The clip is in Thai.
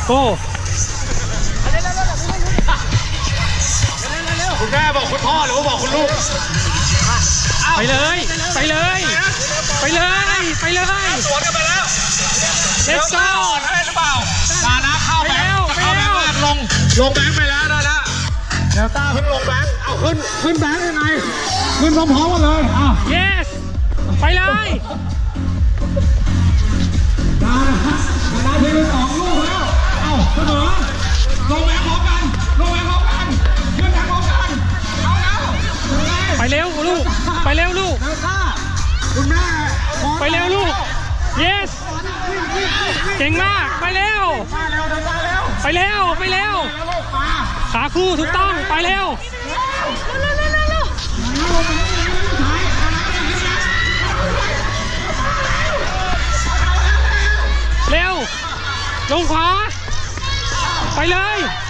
โก้คุณแม่บอกคุณพ่อหรือว่าบอกคุณลูกไปเลยไปเลยไปเลยไปเลยสวนกันไปแล้ว let's go ได้หรือเปล่าตานะเข้าแบงค์เข้าแบงค์ลงแบงค์ไปแล้วนะนะเดี๋ยวตาเพิ่งลงแบงค์เอาขึ้นแบงค์ยังไงขึ้นพร้อมๆกันเลย yes ไปเลยตาทีม2 ลูกแล้วเสมอลงแบงค์พร้อมกันขึ้นแบงค์พร้อมกันเอาแล้วไปเร็วลูกไปเร็วลูกคุณแม่ไปเร็วลูก yes เก่งมากไปเร็วไปเร็วไปเร็วขาคู่ถูกต้องไปเร็วเร็วลงขวาไปเลย